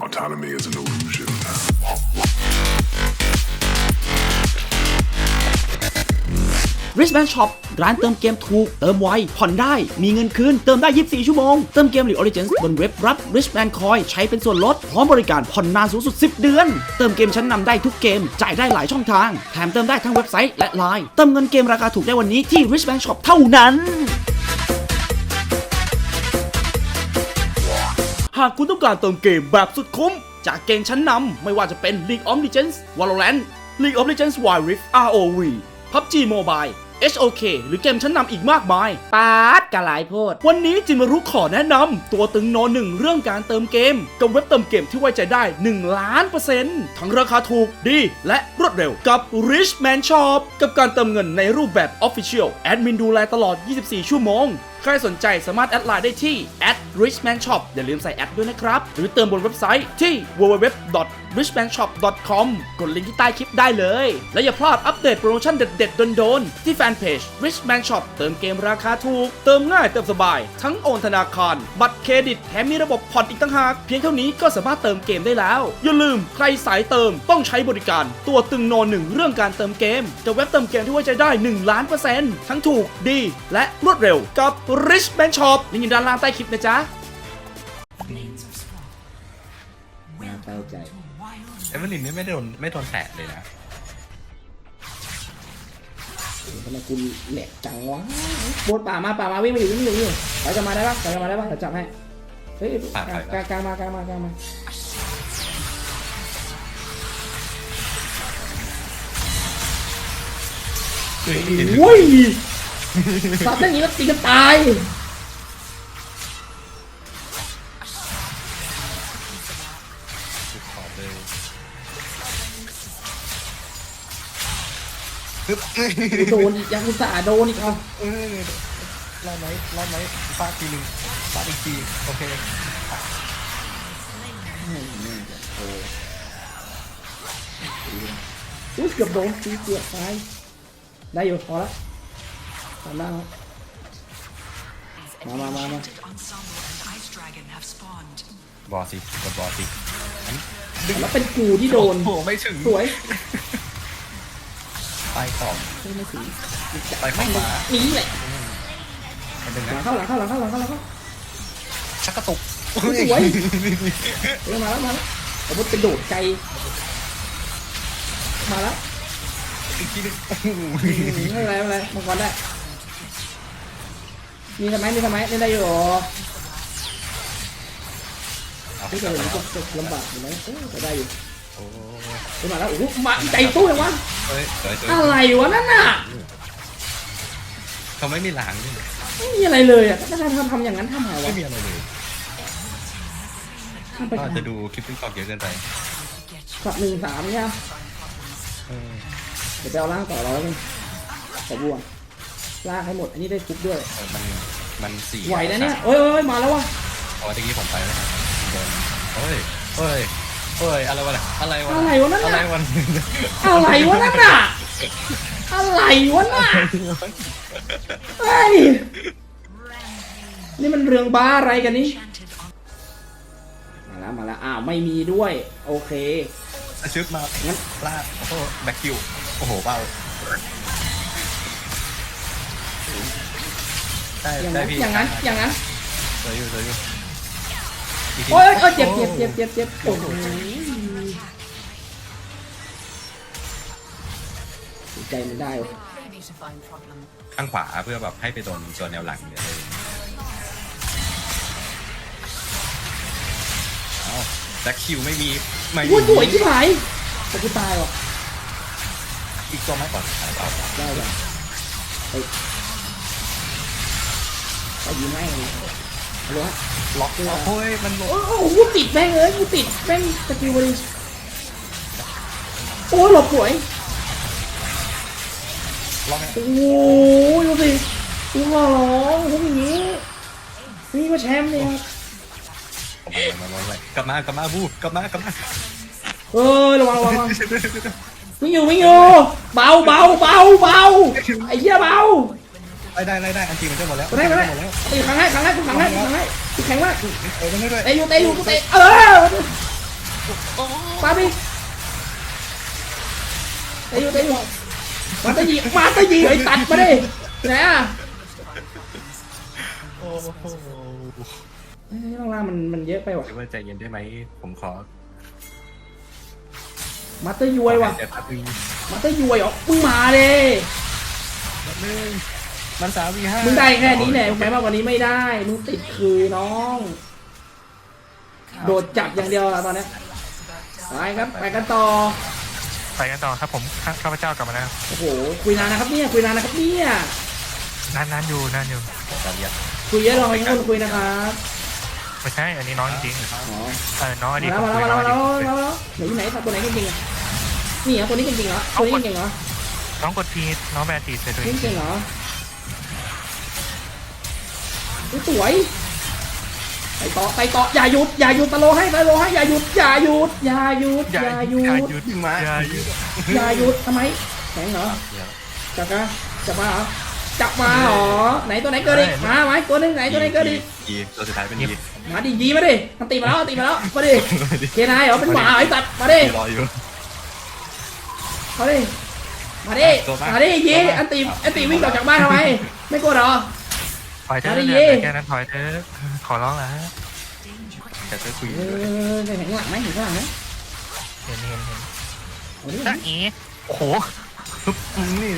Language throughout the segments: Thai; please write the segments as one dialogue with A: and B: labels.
A: Autonomy is an illusion.
B: Wristband Shop ร้านเติมเกมถูกเติมไวผ่อนได้มีเงินคืนเติมได้24ชั่วโมงเติมเกม League of Legends บนเว็บรับ Wristband Coin ใช้เป็นส่วนลดพร้อมบริการผ่อนนานสูงสุด10เดือนเติมเกมชั้นนำได้ทุกเกมจ่ายได้หลายช่องทางแถมเติมได้ทั้งเว็บไซต์และ LINE เติมเงินเกมราคาถูกได้วันนี้ที่ Wristband Shop เท่านั้นหากคุณต้องการเติมเกมแบบสุดคุ้มจากเกมชั้นนำไม่ว่าจะเป็น League of Legends Valorant League of Legends Wild Rift ROV PUBG Mobile HOK หรือเกมชั้นนำอีกมากมายปาดกะหลายโพดวันนี้จิมารุขอแนะนำตัวตึงโนหนึ่งเรื่องการเติมเกมกับเว็บเติมเกมที่ไว้ใจได้1,000,000%ทั้งราคาถูกดีและรวดเร็วกับ Richman Shop กับการเติมเงินในรูปแบบ Official แอดมินดูแลตลอด24ชั่วโมงใครสนใจสามารถแอดไลน์ได้ที่ @richmanshop อย่าลืมใส่แอดด้วยนะครับหรือเติมบนเว็บไซต์ที่ www.richmanshop.com กดลิงก์ที่ใต้คลิปได้เลยและอย่าพลาดอัปเดตโปรโมชั่นเด็ดๆโดนๆที่แฟนเพจ Richman Shop เติมเกมราคาถูกเติมง่ายเติมสบายทั้งโอนธนาคารบัตรเครดิตแถมมีระบบผ่อนอีกต่างหากเพียงเท่านี้ก็สามารถเติมเกมได้แล้วอย่าลืมใครสายเติมต้องใช้บริการตัวตึงโนหนึ่งเรื่องการเติมเกมกับเว็บเติมเกมที่ไว้ใจได้1,000,000%ทั้งถูกดีและรวดเร็วกับRichman Shop ลิงก์อยู่ด้านล่างใต้คลิปนะจ๊ะ
C: น่าเศร้าใจ
D: เอเวอร์ลินนี่ไม่โดนแตะเลยนะ
C: ทำไมกูแหลกจังวะบนป่ามาวิ่งมาอยู่ถอยกลับมาได้ปะเดี๋ยวจับให้เฮ้ยกลางมาโอ้ยสัตว์อย่างนี้แล้วตีกันตายโดนอีกยังอุตส่าห์โดนอีกเอา
D: รอดไหมฟาดทีนึงฟาดอีกทีโอเค
C: อุ้ยเกือบโดนตีเกือบตายได้อยู่พอละทำได้แล้วมา
D: บอสสิกดบอสสิ
C: แล้วเป็นกูที่โดน
D: โอ้ไม่ถึง
C: สวย
D: ไปของ
C: ไม่ถึง
D: ไปของมา
C: นี่แหละ
D: หลัง
C: เข้า
D: ชักกระตุก
C: สวยมาแล้วผมว่าเป็นโดดไกลมาแล้ว
D: อีกทีนึง
C: ไม่เป็นไรมังกรได้มีทำไมเล่นได้อยู่ที่จะจะลำบากอยู่ไหมจะได้อยู่มาแล้วโอ้โหมาใจตู้เลยวะอะไรวะนั่นน่ะ
D: เขาไม่มีหลัง
C: ไม่มีอะไรเลยอ่ะถ้าทำอย่างนั้นทำไงวะ
D: ไม่มีอะไรเลยก็จะดูคลิปติ๊กต็อกเยอะเกินไป
C: สับ1-3เนี่ยเดี๋ยวจะเอาล่างต่อเราแล้วกันขอบัวล่างให้หมดอันนี้ได้คุกด้วย
D: มัน4
C: ไหวนะเนี่ยเอ้ยมาแล้ววะ
D: อ๋อตะกี้ผมไปแล้วเฮ้ยอะไรวะ
C: อะไรวะนั่นน่ะอะไรวะนั่นน่ะเฮ้ยนี่มันเรื่องบ้าอะไรกันนี่มาแล้วอ้าวไม่มีด้วยโอเค
D: ชึบมางั้นลากโอ้โหแบ็คคิวโอ้โหเป้าได้พี่
C: อย่างนั้น
D: สวยอยู่
C: โอ้ยเจ็บโอ้โหใจมันได้
D: ข้างขวาเพื่อแบบให้ไปโดนตัวแนวหลังเนี่ยแบ็คคิวไม่มี
C: พูดสวยที่ไหนแต่กูตายว่ะ
D: อีกตัวไหมก่อน
C: ได้เลยไปยิงไม่เลย
D: ล็อกโอ้ยมัน
C: โอ้โหติดแม่งเลยกูติดแม่งสกิลบอลโอ้ยหลบสวยโอ้ยดูสิกูขอร้องทำอย่างนี้นี่ก็แชมป์เนี่ย
D: กลับมาบูกลับมา
C: ระวังวิ่งอยู่เบาไอ้เหี้ยเบา
D: ได้อันทีมันจะหมดแล้ว
C: ได้ตีครั้งแรกกูแข็งมากเตะเตะอยู่มาตะยีไอ้ตัดมาดิไหนอ่ะ
D: โอ้โห
C: เฮ้ยข้างล่างมันเยอะไปว่ะ
D: เดี๋ยวว่าใจเย็นได้ไหมผมขอ
C: มาเตอร์ยวยว่ะ
D: แต่พักวี
C: มาเตอร์ยวยเหรอมึงมาเลย
D: มัน3v5
C: มึงได้แค่นี้แหละมึงไปมากกว่านี้ไม่ได้มึงติดคือน้องโดดจับอย่างเดียวอะตอนเนี้ยไปครับไปกันต่อ
A: ไปกันต่อครับผมข้าพเจ้ากลับมาแล้ว
C: โอ้โหคุยนานนะครับเนี่ยคุยนานนะครับเนี่ย
A: นานอยู่
D: การเรียน
C: คุยเยอะลองให้คนคุยนะครับ
A: ไม่ใช่อันนี้น้องจริง
C: อ๋อ
A: น้องอดีต
C: มาแล้วมาแล้วไหนอยู่ไหนตัวไหนเก่งๆอ่ะนี่เหรอตัวนี้เก่งๆเหรอตัวนี้เก่งๆเหรอ
A: น้องกดทีน้องแบนตีเสร็จเลย
C: เก่งๆเหรอสวยไปต่ออย่าหยุดตะโลให้อย่าหยุด
D: มา
C: อย่าหยุดทำไมแข็งเหรอจับมาเหรอไหนตัวไหนเกิดอีกมาไหมตัวนึงไหนตัวไหนเกิดอีก
D: ตัวสุดท้ายเป็นยี
C: มาดิยีมาดิมันตีมาแล้วมาดิเคนายเหรอเป็นหมาไอ้สัตว์มาดิ
D: รออยู่
C: มาดิยีอันตีวิ่งออกจากบ้านทำไมไม่กลัวเหรอ
A: ถอยเธอ
C: มาดิ
A: เดือดแค่นั้นถอยเธอขอร้องแล้ว
D: แต่จะคุย
C: เห็นข้างหลังไหมเห็นข้างหลังไหม
A: เห็น
C: เอาดิ
A: จ้าอีโอ้โห
D: นี่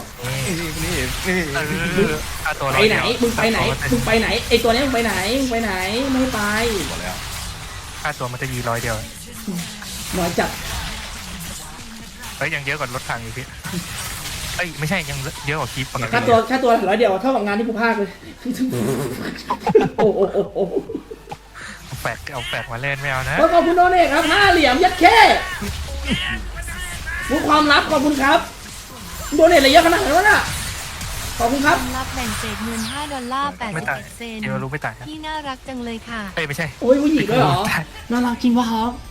A: ค่าตัว
C: ไปไหนมึงไปไหนไอตัวนี้มึงไปไหนไม่ไป
D: หมดแล้ว
A: ค่าตัวมันจะยี100เดียว
C: น้อยจัด
A: เฮ้ยยังเยอะกว่ารถถังอยู่พี่เอ้ยไม่ใช่ยังเยอะกว่าคลิปปกติ
C: ค่าตัว100เดียวเท่ากับงานที่กูพากเลยโอ้
A: เอาแฝกมาเล่นไม่เอานะ
C: ขอบคุณโดเนทครับ5 เหรียญยัดแค่รู้ความลับขอบคุณครับโดเนทอะไรเยอะขนาดนั้นวะน่ะขอบคุณครับ
E: รับแบ่งเศษเงิน$5
A: ไม่ตาย
E: 81 เซน
A: เดี๋ยวรู้ไม่ตาย
E: พี่น่ารักจังเลยค่ะ
A: เอ้ยไม่ใช่
C: โอ้ยผู้หญิงด้วยเหรอน่ารักจริงวะครับ